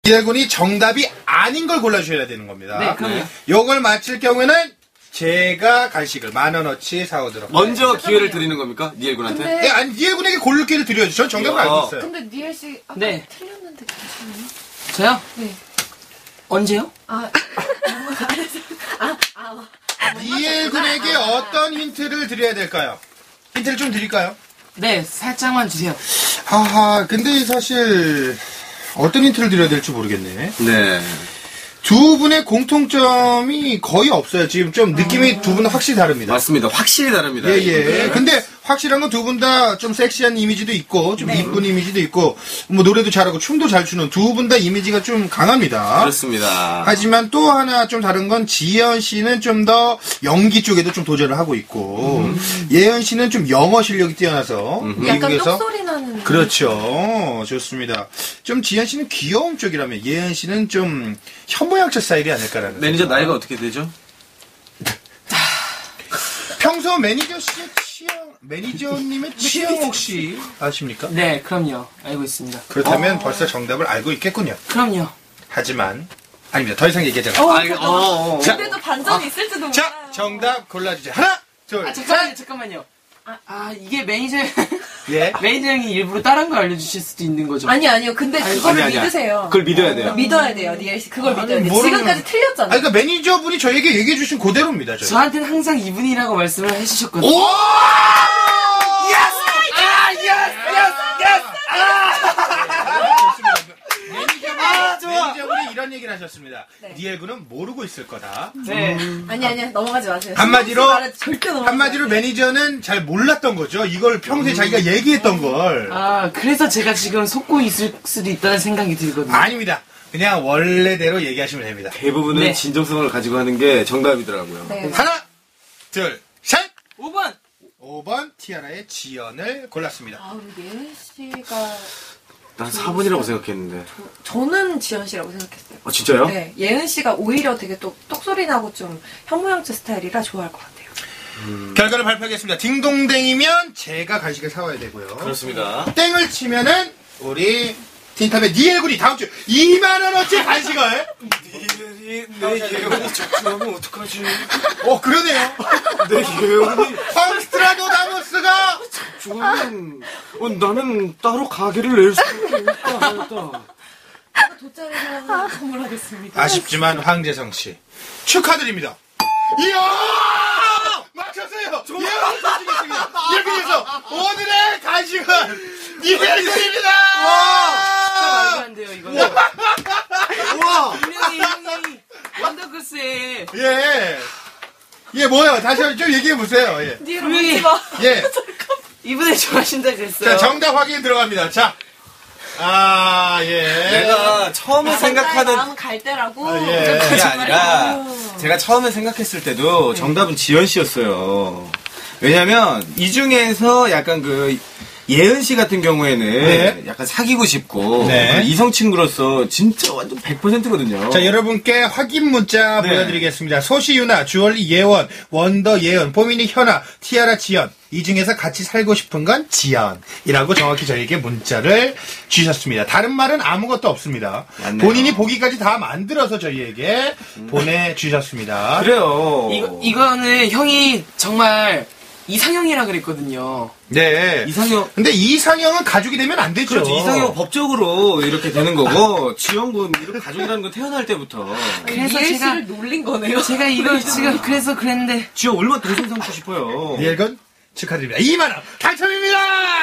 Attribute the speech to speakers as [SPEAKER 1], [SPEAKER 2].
[SPEAKER 1] 니엘군이 정답이 아닌 걸 골라주셔야 되는 겁니다.
[SPEAKER 2] 네, 그럼요.
[SPEAKER 1] 요걸 맞힐 경우에는 제가 간식을 10,000원어치 사오도록.
[SPEAKER 3] 먼저 기회를 드리는 겁니까? 니엘군한테?
[SPEAKER 4] 근데-
[SPEAKER 1] 예, 아니, 니엘군에게 고를 기회를 드려야죠. 전 정답을 알고 있어요.
[SPEAKER 4] 근데 니엘 씨 아까
[SPEAKER 2] 네.
[SPEAKER 4] 틀렸는데 괜찮아요?
[SPEAKER 2] 저요?
[SPEAKER 4] 네.
[SPEAKER 2] 언제요?
[SPEAKER 1] 니엘군에게 어떤 힌트를 드려야 될까요? 힌트를 좀 드릴까요?
[SPEAKER 2] 네, 살짝만 주세요.
[SPEAKER 1] 하하, 근데 사실 어떤 힌트를 드려야 될지 모르겠네.
[SPEAKER 3] 네.
[SPEAKER 1] 두 분의 공통점이 거의 없어요. 지금 좀 느낌이 두 분은 확실히 다릅니다.
[SPEAKER 3] 맞습니다. 확실히 다릅니다.
[SPEAKER 1] 예. 근데 확실한 건 두 분 다 좀 섹시한 이미지도 있고, 좀 이쁜 이미지도 있고, 뭐 노래도 잘하고 춤도 잘 추는 두 분 다 이미지가 좀 강합니다.
[SPEAKER 3] 그렇습니다.
[SPEAKER 1] 하지만 또 하나 좀 다른 건 지연 씨는 좀 더 연기 쪽에도 좀 도전을 하고 있고, 예은 씨는 좀 영어 실력이 뛰어나서
[SPEAKER 4] 약간
[SPEAKER 1] 미국에서
[SPEAKER 4] 똑소리 나는.
[SPEAKER 1] 그렇죠. 좋습니다. 좀 지연 씨는 귀여움 쪽이라면 예은 씨는 좀 현모양처 스타일이 아닐까라는.
[SPEAKER 3] 매니저
[SPEAKER 1] 생각.
[SPEAKER 3] 나이가 어떻게 되죠?
[SPEAKER 1] 평소 매니저 씨의 취향, 매니저님의 취향 혹시 아십니까?
[SPEAKER 2] 네, 그럼요. 알고 있습니다.
[SPEAKER 1] 그렇다면 벌써 정답을 알고 있겠군요.
[SPEAKER 2] 그럼요.
[SPEAKER 1] 하지만 아닙니다. 더 이상 얘기하지 않아요. 자,
[SPEAKER 4] 근데도 반전이 있을지도 몰라요.
[SPEAKER 1] 자, 정답 골라주세요. 하나, 둘,
[SPEAKER 2] 아, 잠깐만요. 이게 매니저,
[SPEAKER 1] 예.
[SPEAKER 2] 매니저 형이 일부러 다른 걸 알려주실 수도 있는 거죠.
[SPEAKER 4] 아니요. 근데 그거를
[SPEAKER 3] 아니야.
[SPEAKER 4] 믿으세요.
[SPEAKER 3] 그걸 믿어야 돼요.
[SPEAKER 4] 믿어야 돼요, 니엘 씨. 그걸 믿어야 돼요.
[SPEAKER 1] 모르는-
[SPEAKER 4] 지금까지 틀렸잖아요.
[SPEAKER 1] 아니, 그러니까 매니저분이 저에게 얘기해주신 그대로입니다. 저희.
[SPEAKER 2] 저한테는 항상 이분이라고 말씀을 해주셨거든요.
[SPEAKER 1] 오! 매니저분이 이런 얘기를 하셨습니다.
[SPEAKER 4] 네.
[SPEAKER 1] 니엘군은 모르고 있을 거다.
[SPEAKER 2] 네.
[SPEAKER 4] 아니야. 넘어가지 마세요.
[SPEAKER 1] 한마디로,
[SPEAKER 4] 신경 쓰지 말아요. 절대 넘어가지
[SPEAKER 1] 한마디로
[SPEAKER 4] 마세요.
[SPEAKER 1] 매니저는 잘 몰랐던 거죠. 이걸 평소에 자기가 얘기했던 걸.
[SPEAKER 2] 그래서 제가 지금 속고 있을 수도 있다는 생각이 들거든요.
[SPEAKER 1] 아닙니다. 그냥 원래대로 얘기하시면 됩니다.
[SPEAKER 3] 대부분은
[SPEAKER 2] 네.
[SPEAKER 3] 진정성을 가지고 하는 게 정답이더라고요.
[SPEAKER 4] 네.
[SPEAKER 1] 하나, 둘, 셋!
[SPEAKER 2] 5번!
[SPEAKER 1] 5번 티아라의 지연을 골랐습니다.
[SPEAKER 4] 우리 예은 씨가
[SPEAKER 3] 난 4번이라고 생각했는데.
[SPEAKER 4] 저는 지연 씨라고 생각했어요.
[SPEAKER 3] 진짜요?
[SPEAKER 4] 네, 예은 씨가 오히려 되게 또 똑소리 나고 좀 현모양처 스타일이라 좋아할 것 같아요.
[SPEAKER 1] 결과를 발표하겠습니다. 딩동댕이면 제가 간식을 사와야 되고요.
[SPEAKER 3] 그렇습니다.
[SPEAKER 1] 땡을 치면은 우리 틴탑의 니엘군이 다음 주 2만원어치 간식을.
[SPEAKER 3] 내 예언이 적중하면 어떡하지?
[SPEAKER 1] 그러네요.
[SPEAKER 3] 내 예언이
[SPEAKER 1] 황스트라도다무스가
[SPEAKER 3] 적중하면 나는 따로 가게를 낼 수밖에 없다.
[SPEAKER 4] 돗자리를 선물하겠습니다.
[SPEAKER 1] 아쉽지만 황재성 씨 축하드립니다. 이야! 맞췄어요. 예언을 맞추겠습니다. 이렇게 해서 오늘의 간식은 니엘군입니다.
[SPEAKER 2] 말도 안 돼요, 이거.
[SPEAKER 1] 우와!
[SPEAKER 2] 분명히 형이 원더걸스에
[SPEAKER 1] 예, 뭐요? 다시 좀 얘기해보세요. 예.
[SPEAKER 4] 니엘
[SPEAKER 2] 분명히
[SPEAKER 4] 울지 마.
[SPEAKER 1] 예.
[SPEAKER 2] 이분을 좋아하신다 그랬어요.
[SPEAKER 1] 자, 정답 확인 들어갑니다. 자. 예.
[SPEAKER 3] 내가 처음에 생각하던
[SPEAKER 4] 마음 갈 때라고.
[SPEAKER 1] 예.
[SPEAKER 3] 그게 아니라 제가 처음에 생각했을 때도 정답은 지연 씨였어요. 왜냐면 이 중에서 약간 예은 씨 같은 경우에는
[SPEAKER 1] 네.
[SPEAKER 3] 약간 사귀고 싶고
[SPEAKER 1] 네.
[SPEAKER 3] 이성 친구로서 진짜 완전 100%거든요.
[SPEAKER 1] 자, 여러분께 확인 문자
[SPEAKER 3] 네.
[SPEAKER 1] 보여드리겠습니다. 소시유나, 주얼리 예원, 원더 예은, 포미니 현아, 티아라 지연. 이 중에서 같이 살고 싶은 건 지연이라고 정확히 저에게 문자를 주셨습니다. 다른 말은 아무것도 없습니다.
[SPEAKER 3] 맞네요.
[SPEAKER 1] 본인이 보기까지 다 만들어서 저희에게 보내주셨습니다.
[SPEAKER 3] 그래요.
[SPEAKER 2] 이거는 형이 정말 이상형이라 그랬거든요.
[SPEAKER 1] 네.
[SPEAKER 3] 이상형.
[SPEAKER 1] 근데 이상형은 가족이 되면 안 되죠.
[SPEAKER 3] 그렇죠. 이상형 법적으로 이렇게 되는 거고 지연군 이렇게 가족이라는 건 태어날 때부터.
[SPEAKER 2] 그래서
[SPEAKER 4] 니엘
[SPEAKER 2] 제가
[SPEAKER 4] 씨를 놀린 거네요.
[SPEAKER 2] 제가 이걸 지금 그래서 그랬는데
[SPEAKER 3] 지연 얼마나 동생 삼고 싶어요.
[SPEAKER 1] 니엘건 축하드립니다. 2만원 당첨입니다!